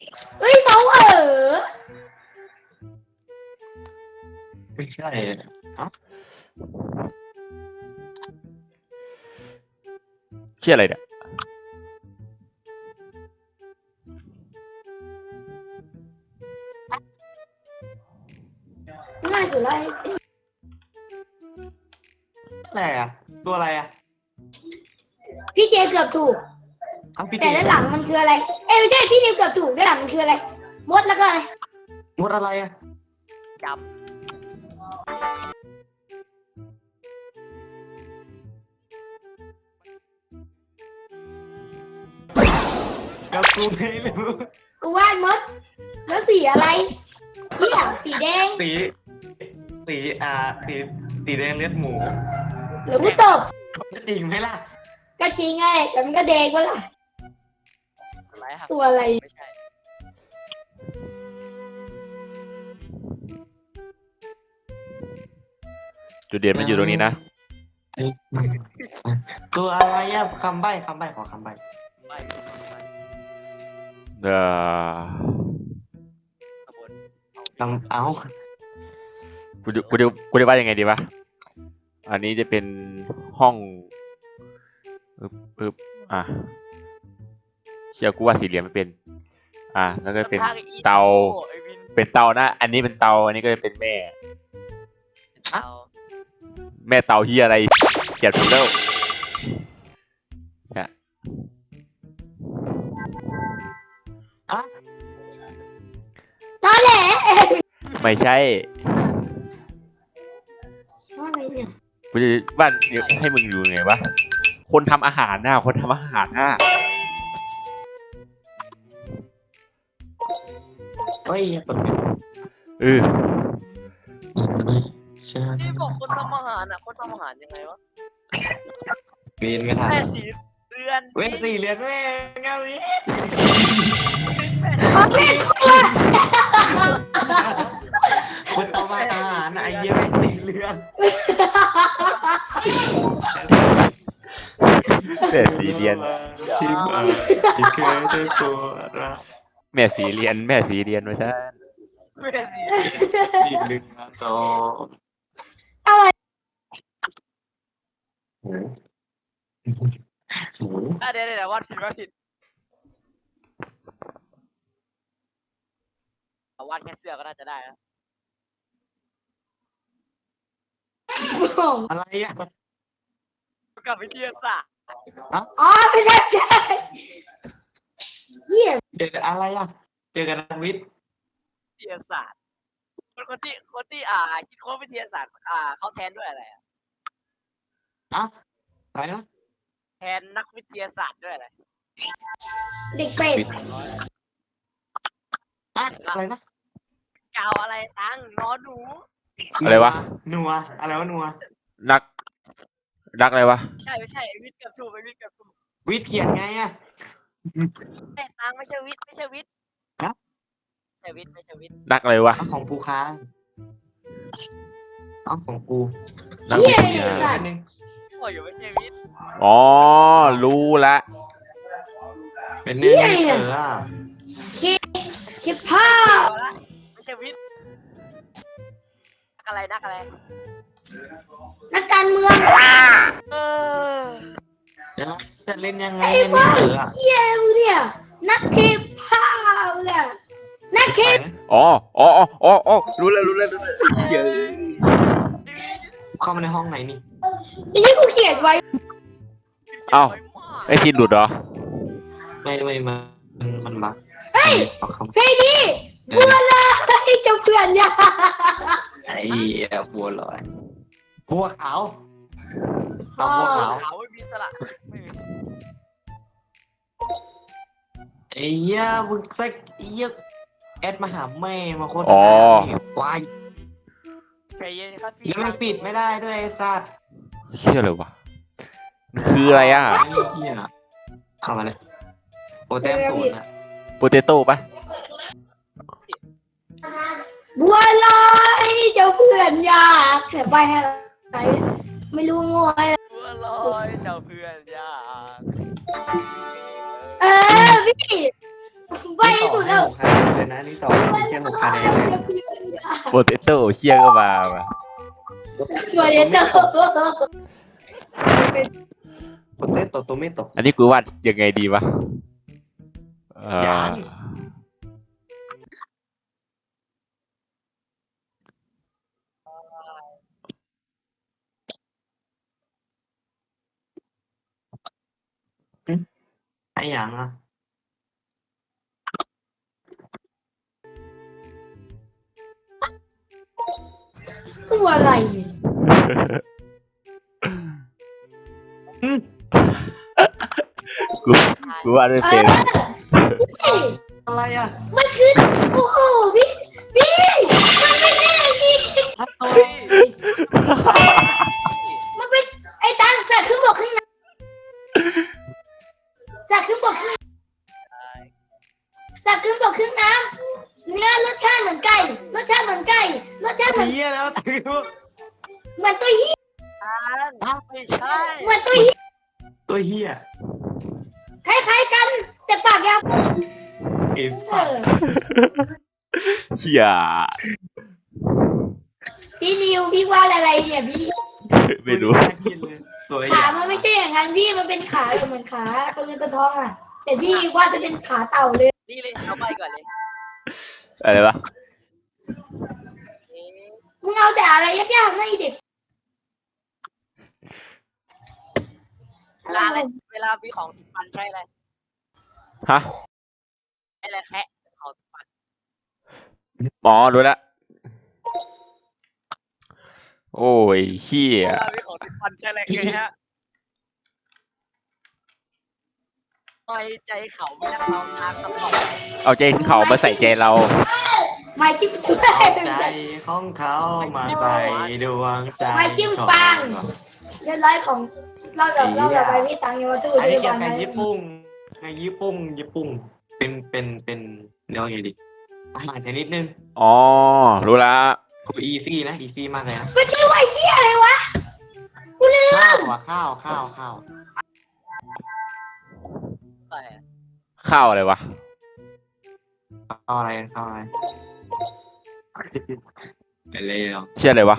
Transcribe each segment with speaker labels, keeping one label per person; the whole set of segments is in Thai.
Speaker 1: เอ้ยเมา
Speaker 2: ไม่ใช่ฮะ
Speaker 3: เชื่ออะไรเนี่ย
Speaker 1: ง่ายสุดเลย
Speaker 2: อะไรอ่ะตัวอะไรอ่ะ
Speaker 1: พี่เจเกือบถูก
Speaker 2: เอาพี่
Speaker 1: แต่
Speaker 2: เจ
Speaker 1: ด้านหลังมันคืออะไรเอ้ยไม่ใช่พี่นิวเกือบถูกด้านหลังมันคืออะไรมดแล้วก็อะไร
Speaker 2: มดอะไรอ่ะ
Speaker 4: จ
Speaker 2: แล้วกูไม่รู้
Speaker 1: กูวาดมดแล้วสีอะไรเหี้ยสีแดง
Speaker 2: สีสีสีสีแดงเลือดหมู
Speaker 1: หรือกูตบ
Speaker 2: จริงไหมล่ะ
Speaker 1: ก็จริงไงแต่มันก็แดงวะล่ะ
Speaker 4: ำอะไรครับ
Speaker 1: ตัวอะไร
Speaker 4: ไม่ใช่
Speaker 3: จุดเด่นมันอยู่ตรงนี้นะ
Speaker 2: ตัวอะไรอ่ะคำใบ้ขอคำใบ้
Speaker 4: ไม่ไม่
Speaker 3: เอ่อ
Speaker 4: ขบวน
Speaker 2: คำเอา
Speaker 3: กูจะว่ายังไงดีวะ อันนี้จะเป็นห้องอึบอ่ะเชื่อกูว่าสี่เหลี่ยมไม่เป็น แล้วก็เป็นเตา
Speaker 4: ไอ้วิน
Speaker 3: เป็นเตานะ อันนี้เป็นเตา อันนี้ก็จะเป็นแม่
Speaker 4: เตา
Speaker 3: แม่เตาเฮียอะไรเกลียดถูกแล้วเนี่ย
Speaker 1: ตอนแหละ
Speaker 3: ไม่ใช่
Speaker 1: อะไรเนี่ย
Speaker 3: กูจะบ้านให้มึงอยู่ไงวะ คนทำอาหารน่ะ คนทำอาหารน่ะ
Speaker 2: เฮ้ยเปิด
Speaker 3: เออ
Speaker 2: ใช่
Speaker 4: ที่บอกคนทำอาหารอ่ะคนทำอาหารยังไงวะ
Speaker 2: เรียนไม่ทัน
Speaker 4: แม่สีเรือน
Speaker 2: เว้นสี่เหรียญแม่เงานี้
Speaker 4: แม่
Speaker 1: โอเค
Speaker 2: คุณเอามาอาหารไอ้เยี่ยมสี่เหรียญ
Speaker 3: แม่สีเรียน
Speaker 2: ที่มาที่เคยได้ตัวรัก
Speaker 3: แม่สีเรียน แม่สีเรียนมาใช่
Speaker 4: แม่สี
Speaker 2: อีกหนึ่งต่อ
Speaker 1: อะไร
Speaker 2: หมูหมู
Speaker 4: เดี๋ยววาดผิดเอาวาดแค่เสื้อก็น่าจะได้แล้ว
Speaker 2: อะไรอ่ะ
Speaker 4: กับวิทยาศาสตร์
Speaker 1: อ๋อไม่ใช่เหี้ย
Speaker 2: เจออะไรอ่ะเจอกันนักวิทย์
Speaker 4: วิทยาศาสตร์คนที่คิดค้นวิทยาศาสตร์เขาแทนด้วยอะไรอะ
Speaker 2: อ่ะอะไรนะ
Speaker 4: แทนนักวิทยาศาสตร์ด้วยอะไร
Speaker 1: เด็กเป็ด
Speaker 2: อ่ะอะไรนะ
Speaker 4: กาวอะไรตั้งนอหนู
Speaker 3: อะไรวะ
Speaker 2: นัวอะไรวะนัว
Speaker 3: นักอะไรวะ
Speaker 4: ไม่ใช่วิทย์เกับถูกวิทย์เกับถูก
Speaker 2: วิทย์เขียนไงอ่ะ
Speaker 4: แต่ตังไม่ใช่วิทย์ไม่ใช่วิทย์
Speaker 2: ฮะ
Speaker 4: ไม่ใช่วิทย์ไม่ใช่วิทย์
Speaker 3: นักอะไรวะ
Speaker 2: เอาของปูค้างเอาของกู
Speaker 3: นัก
Speaker 1: เหี้
Speaker 3: วิ
Speaker 1: ย
Speaker 3: ทยา
Speaker 1: สั
Speaker 2: อั
Speaker 1: ต
Speaker 2: น
Speaker 1: ว์
Speaker 2: นึง
Speaker 4: โอ้ยไม่ใช่วิทย์
Speaker 3: อ๋อ รู้ละ
Speaker 2: เป็นเนื้อเอออ่ะ
Speaker 1: คิดผ้า
Speaker 4: เอาละไม่ใช่วิทย์นักอะไร
Speaker 1: นักการเมือง
Speaker 4: เออ
Speaker 2: จะเล่นยังไง
Speaker 1: ไอ้
Speaker 2: เนี่ย
Speaker 1: ว่า
Speaker 2: เอออ่ะ
Speaker 1: เหี้ยมึงเนี่ยนักคิดผ้าเนี่ยนักคิด
Speaker 3: อ๋อรู้แล้วเยอะ
Speaker 2: เข้ามาในห้องไหนนี่
Speaker 1: นี่กูเขียนไว้
Speaker 3: เอ้า ไอทีนหลุดเหรอ
Speaker 2: ไม่มันบัก
Speaker 1: เฮ้ย
Speaker 2: เอาค
Speaker 1: เฟรดี้บัวลอยเจ้าเพื่อนยา
Speaker 2: ำไอ้บัวลอยบัวขาวเอาบัวขาว
Speaker 4: ขาวไม่มีสระไม่มี
Speaker 2: ไอ้เหี้ยมึงสักไอ้เหี้ยแอดมาหาแม่มาโฆษ
Speaker 3: อ๋
Speaker 2: ณา
Speaker 3: อ
Speaker 2: วาย
Speaker 4: ใจเย็นครับพี่
Speaker 2: แล้วมันปิดไม่ได้ด้วยไอ้สัตว์
Speaker 3: เชื่อเลยวะมันคืออะไรอ่ะ
Speaker 2: ไอ้เหี้ยเข้ามาเลยโปรแต้มศูนย์อ่ะ
Speaker 3: โปเตโต้ปะ
Speaker 1: บัวลอยเจ้าเพื่อนยากเสียไปอะไรไม่รู้งอย
Speaker 4: บัวลอยเจ้าเพื่อนยาก
Speaker 1: เออพี่ไปให้สุดแล้ว
Speaker 2: 6 คะแนนเลยนะนี่ต่อให้แค่6 คะแนนเลย
Speaker 1: จะเพื่อนอยาก
Speaker 3: โปเตโต้เชี่ยก็มาว่ะ
Speaker 1: ตัวเด็ดเตอร์
Speaker 2: โปเตโต้ตัวไม่ตก
Speaker 3: อันนี้กูวาดยังไงดีวะ
Speaker 2: ยัง ไอ้หยังอ่ะ
Speaker 1: ตัวอะไรเนี่ย
Speaker 3: กูกูวาดไม่เป็น
Speaker 1: พี่
Speaker 2: อะไรอ่ะ
Speaker 1: มันคือโอ้โหพี่มันไม่ใช่พี่
Speaker 2: ตัว
Speaker 4: เฮ้ย
Speaker 1: มันเป็นไอ้ตังสัตว์ขึ้นบกขึ้นน้ำสัตว์ขึ้นบกขึ้นสัตว์ขึ้นบกขึ้นน้ำเนื้อรสชาติเหมือนไก่รสชาติเหมือนไก่รสชาติเหมือน
Speaker 2: เหี้ยแล้วถือ
Speaker 1: เหมือนตัวเหี้ย
Speaker 4: ไม่ใช่
Speaker 1: เหมือนตัวเหี้ย
Speaker 2: ตัวเหี้ย
Speaker 1: คล้ายๆกัน แต่ปากยาว
Speaker 2: ไอ้
Speaker 1: เอ
Speaker 2: สัต
Speaker 1: อ
Speaker 2: ว์
Speaker 3: เชี่ย
Speaker 1: พี่นิวพี่ว่าอะไรเนี่ยพี่
Speaker 3: ไม่รู้
Speaker 2: น่ากินเลยตัวให
Speaker 1: ขา
Speaker 2: ญ่
Speaker 1: มันไม่ใช่อย่างนั้นพี่มันเป็นขาเหมือนขาตัวเงินตัวทองอ่ะ แต่พี่ว่าจะเป็นขาเต่าเลย
Speaker 4: นี่เลยเอาไปก่อนเลย
Speaker 3: อะไรวะ
Speaker 4: เอ๊ะ
Speaker 1: มึงเอาแต่อะไรยากๆให้เด็ก
Speaker 4: เวลามีของติดฟันใช่อะไร
Speaker 3: ฮะ
Speaker 4: อะไรแคะของติดฟัน
Speaker 3: อ๋อรู้ละโอ้ยเฮีย
Speaker 4: เวลามีของติดฟันใช่อะไรไงฮะปล่อยใจเขาไม่นั่งเราทางคำตอบ
Speaker 3: เอาใจเขามาใส่ใจเรา
Speaker 1: ไม้จิ้มจุ๊บ
Speaker 2: เอาใจของเขามาใส่ดวงใจ
Speaker 1: ไม้จิ้มปังเรียบร้อยของเราแบบไปพี่ตังค์ยังมาตู้
Speaker 2: อันนี้
Speaker 1: ที่
Speaker 2: เกี่ยว
Speaker 1: บ้าน
Speaker 2: กับญี่ปุ่นไงญี่ปุ่นเป็นเรียกว่าไงดีอาหารชนิดนึง
Speaker 3: อ๋อ รู้ละ
Speaker 2: อีซี่นะอีซี่มากเลยนะ
Speaker 1: มันชื่อว่าไอ้เหี้ยอะไรวะกูลืม
Speaker 2: ข้าวอ่ะข้าว
Speaker 4: อะไรอะ
Speaker 3: ข้าวอะไรวะ
Speaker 2: ข้าวอะไรอะไรหรอ
Speaker 3: เชื่ออะไรวะ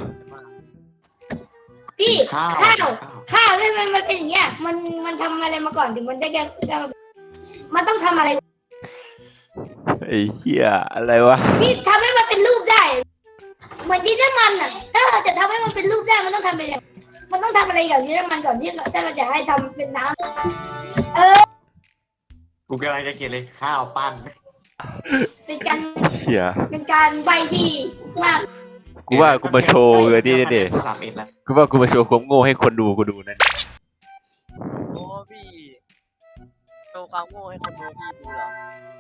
Speaker 1: พี่
Speaker 2: ข้าว
Speaker 1: ข้าวทำไมมันเป็นอย่างเงี้ยมันทำอะไรมาก่อนถึงมันได้แก่มันต้องทำอะไร
Speaker 3: ไอ้เหี้ยอะไรวะ
Speaker 1: ที่ทำให้มันเป็นรูปได้ เหมือนดินน้ำมันอ่ะ ถ้าเราจะทำให้มันเป็นรูปได้มันต้องทำเป็นอย่างมันต้องทำอะไรอย่างดินน้ำมันก่อนที่ถ้าเราจะให้ทำเป็นน้ำ
Speaker 2: กูกำลังจะเขียนเลยข้าวปั้น
Speaker 1: เป็นการ
Speaker 3: เหี้ย
Speaker 1: เป็นการใบที่มาก
Speaker 3: กูว่ากูมาโชว์เลยที่นี่ดิ
Speaker 2: 31แล้ว
Speaker 3: กูว่ากูมาโชว์ความโง่ให้คนดูกูดูนั่น
Speaker 4: โอ้พี่โชว์ความโง่ให้คนดูพี่ดูเหรอ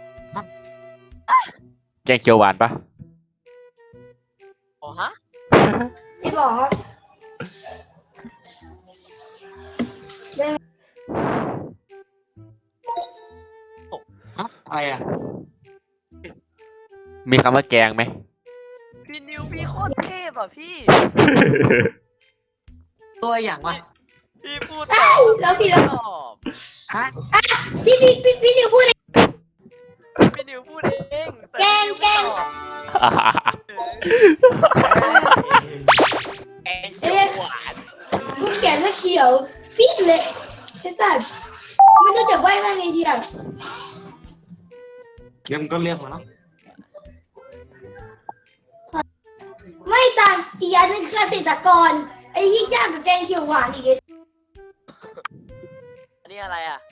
Speaker 3: แกงเขียวหวานปะ
Speaker 4: โอ้ฮะ
Speaker 1: พี่บอกครับ
Speaker 2: อะไรอ่ะ
Speaker 3: มีคำว่าแกงไหม
Speaker 4: พี่นิวพี่โคตรเทพอ่ะพี่
Speaker 2: ตัวอย่างวะ
Speaker 4: พี่พูด
Speaker 1: แล้วพี่แล้ว
Speaker 4: ตอบ
Speaker 2: ฮะ
Speaker 1: ที่พี่นิวพูด
Speaker 4: พี่นิวพูดเองต่
Speaker 1: แกง
Speaker 4: พี่นิวไม่ตอบแกงเขียวหวาน
Speaker 1: กูเขียนว่าเขียวปิดเลยไอ้สัสไม่รู้จะใบว่าไงดีอ่ะ
Speaker 2: เดี๋ยวมันก็เรียกมาเนาะ
Speaker 1: ไม่ต่างอีกอันนึงคือเกษตรกรไอ้ที่ยากกับแกงเขียวหวานอีก
Speaker 4: อันนี้อะไรอ่ะ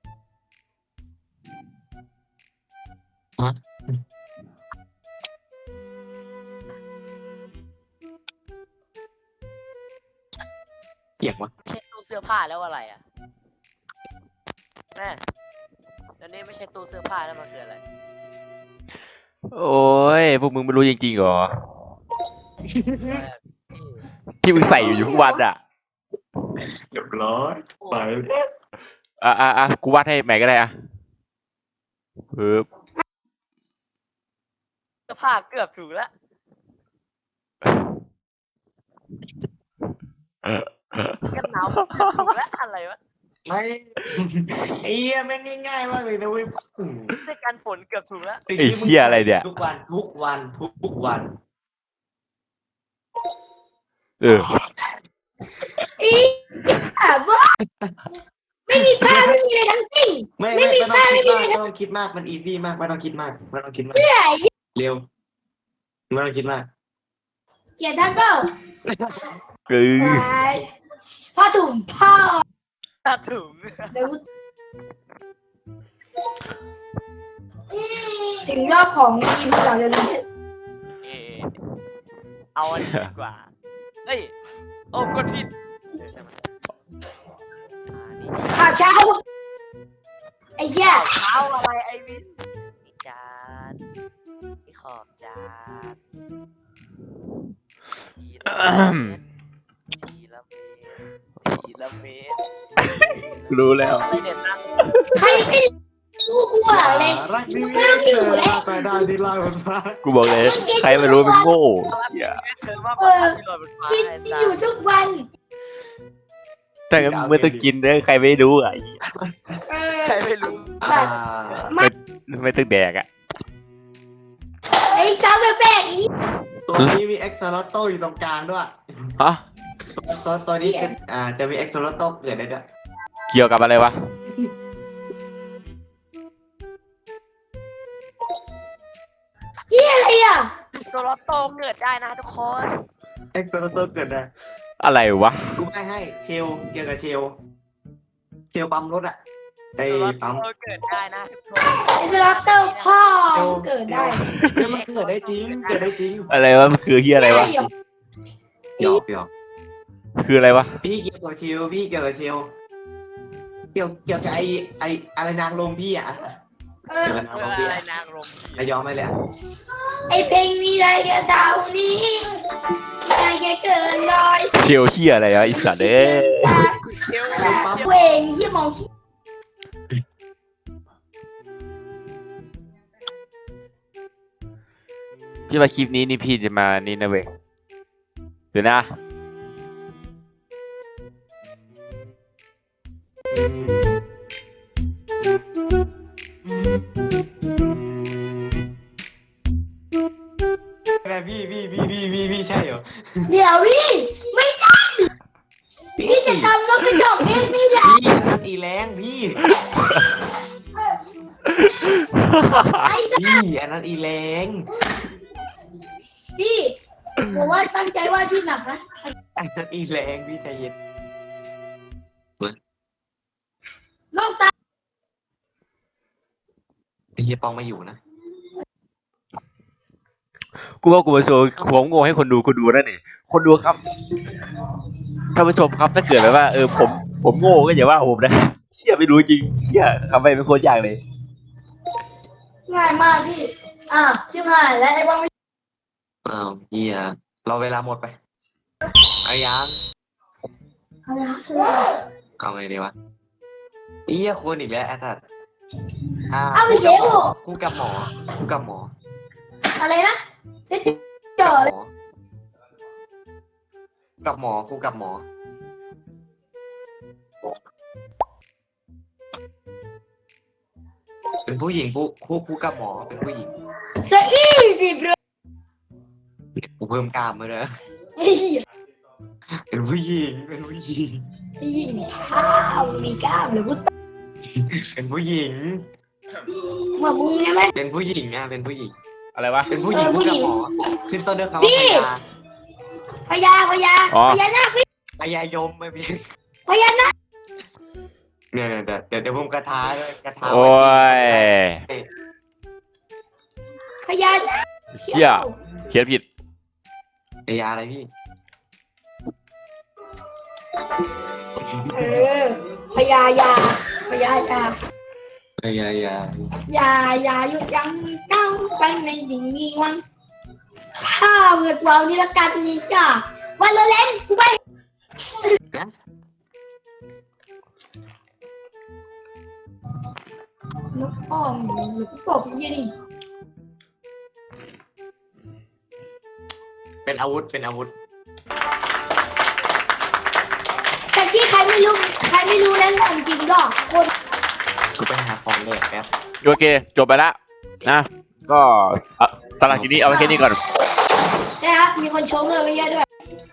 Speaker 2: เกี่ยงวะ
Speaker 4: ไม่ใช่ตู้เสื้อผ้าแล้วอะไรอ่ะแม่แล้วนี่ไม่ใช่ตู้เสื้อผ้าแล้วมันคืออะไร
Speaker 3: โอ้ยพวกมึงไม่รู้จริงๆเหรอ
Speaker 4: พี่
Speaker 3: ที่มึงใส่อยู่ทุกวันอ่ะ
Speaker 2: เรียบร้อยไป
Speaker 3: กูวาดให้ใหม่ก็ได้อ่ะปึ๊บ
Speaker 4: เสื้อผ้าเกือบถูกแล้วกันหนาวเกือบถูกแล้วอะไรวะ
Speaker 2: ไม่ไอ้เหี้ยแม่งง่ายๆมากเลยนะเว้ย
Speaker 4: ด้วยกันฝนเกือบถูกแล้ว
Speaker 3: ไอ้เหี้ยอะไรเนี่ย
Speaker 2: ทุกวัน
Speaker 3: เออ
Speaker 1: อีบ้าไม่มีผ้าไม่มีอะไรทั้งสิ้น
Speaker 2: ไม่ต้องคิดมากมันอีซี่มากไม่ต้องคิดมาก
Speaker 1: เรื่อย
Speaker 2: เร็วไม่ต้องคิดมาก
Speaker 1: เขียนทั้งก็
Speaker 3: เออ
Speaker 1: ผ้าถุงผ้า
Speaker 4: ถ้าถุง
Speaker 1: เดี๋ยวถึงรอบของทีมเราจะรู้
Speaker 4: เอาอันนี้ดีกว่าเฮ้ยโอ้กดผิดใช่ไหมนี่
Speaker 1: ข่าวเช้าไอ้เหี้ย
Speaker 4: เช้าอะไรไอวินนี่จานนี่ขอบจานทีละเมตร
Speaker 3: รู้แล้ว
Speaker 4: อะไรเด็ดนะ
Speaker 1: ใครไม่รู้กูอะไร
Speaker 2: รักดี
Speaker 1: ไม่ต้องอยู่แล้ว
Speaker 2: ไปได้ที่ไล่มันมา
Speaker 3: กูบอกเลยใครไม่รู้เป็นโง่เหี้ย
Speaker 4: เธอมากกว่าที่ลอยบนฟ้า
Speaker 1: กิน
Speaker 4: ไอ้จา
Speaker 1: อยู่ทุกวัน
Speaker 3: แต่เมื่อต้องกินเนี่ยใครไม่รู้อ่ะ
Speaker 4: ใครไม่รู้
Speaker 3: ไม่ต้องแดกอ่ะ
Speaker 1: ไอ้จ้าแปลกๆนี้
Speaker 2: ตัวนี้มีเอ็กซ์โลโตอยู่ตรงกลางด้วย
Speaker 3: ฮะ
Speaker 2: ตัวนี้เป็นจะมีเอ็กซ์โลโตเกิดได้ด้วย
Speaker 3: เกี่ยวกับอะไรวะ
Speaker 1: เหี้ยอะไรอ่ะ
Speaker 4: โซลอตโตเกิดได้นะทุกคน
Speaker 2: เอ็กซ์โลโตเกิดได้
Speaker 3: อะไรวะ
Speaker 2: กูให้เชลเกี่ยวกับเชลปั๊มรถอ่ะไอ้
Speaker 4: โซลอต
Speaker 2: ปั๊ม
Speaker 4: โตเกิดได้นะทุกคน
Speaker 1: ไอ้สล็อตเตอร์พ่อเกิดได้
Speaker 2: มันเกิดได้จริง
Speaker 3: อะไรวะมันคือเฮียอะไรวะ
Speaker 1: ใช่เหรอ
Speaker 2: หยอก
Speaker 3: คืออะไรวะ
Speaker 2: พี่เกี่ยวกับเชลเกี่ยวกับไอ้อะไรนางลมพี่อ่ะ
Speaker 1: เออ
Speaker 2: เกี่ยวกับนาง
Speaker 4: เพื่
Speaker 2: ล
Speaker 4: อ
Speaker 2: มพี่
Speaker 4: อะไร
Speaker 2: อะ
Speaker 4: นางรม
Speaker 2: ระยองไหมเลยอะ
Speaker 1: ไอ้เพลงมีอะไรกับดาวนี้ใจแค่เกินร้อย
Speaker 3: เชียวเฮียอะไรวะไอีสัตว์เอ้ย
Speaker 4: เที่ยว
Speaker 1: เวงที่มองที่
Speaker 3: พี่มาคลิปนี้นี่พี่จะมานี่นะเว้ยเดี๋ยวนะ
Speaker 2: แม่พี่ใช่เหรอ
Speaker 1: เดี๋ยวพี่ไม่ใช่พี่จะทำรถกระจกเองไม่ได้
Speaker 2: พี่อันอีแรงพี่
Speaker 1: ไอ้
Speaker 2: พี่อันนั้นอีแรง
Speaker 1: พี่ผมว่าตั้งใจว่าที่หนักนะ
Speaker 2: อันนั้นอีแรงพี่ใจเย็น
Speaker 1: โลกตา
Speaker 2: ไอ้เฮียปองไม่อยู่นะ
Speaker 3: กูว่ากูมาโชว์ความโง่ให้คนดูนั่นนี่คนดูครับท่านผู้ชมครับถ้าเกิดแบบว่าผมโง่ก็อย่าว่าผมนะเชี่ยไม่รู้จริงเชี่ยทำไปเป็นโคตรยากเลย
Speaker 1: ง่ายมากพี่ชิบหายแล้วไอ้บ้างไม่
Speaker 2: อ้าวเฮียเราเวลาหมดไปเอายัง
Speaker 1: เอาละ
Speaker 2: เอาไงดีวะเฮียควรอีกแล้วแอดดัดคู่กับหมอ
Speaker 1: อะไรนะเช็ดเจอ
Speaker 2: กับหมอคู่กับหมอเป็นผู้หญิงคู่กับหมอเป็นผู้หญิง
Speaker 1: สะอีดิบเลย
Speaker 2: กูเพิ่มกล้ามมาเลย
Speaker 1: ไอ้เหี้ย
Speaker 2: เป็นผู้หญิง
Speaker 1: ยิงข้าวมีกล้ามหรือกู
Speaker 2: เป็นผู้หญิง
Speaker 1: เหมือนมึงใช่ไหม
Speaker 2: เป็นผู้หญิงอ่ะเป็นผู้หญิง
Speaker 3: อะไรวะ
Speaker 2: เป็นผู้หญิงคู่กับหมอขึ้นต้นด้วยคำว่าพยา
Speaker 1: พญานาคพี่
Speaker 2: พยายมไม่เป็น
Speaker 1: พญานาค
Speaker 2: เนี่ยเดี๋ยวผมกระทาด้วยกระทา
Speaker 3: โอ้ย
Speaker 1: พญานาค
Speaker 3: เชี่ยเขียนผิด
Speaker 2: พยาอะไรพี่
Speaker 1: พญายาพญายา
Speaker 2: พยายา
Speaker 1: อย่าหยุดยั้งก้าวไปในดิ่งนี้วังข้าเมือกเรานี่ละกันนี่จ้าวันละเล่นกูไปนกอ้อมหรือปอบยี่นี่
Speaker 2: เป็นอาวุธ
Speaker 1: แต่ที่ใครไม่ไม่รู้แล้วจริงๆก็คน
Speaker 2: กูไปหาของเลยแป๊บ
Speaker 3: โอเคจบไปละนะก็สำหรับทีนี้เอาไว้แค่นี้ก่อน
Speaker 1: นะครับมีคนชมเลยเยอะด้วย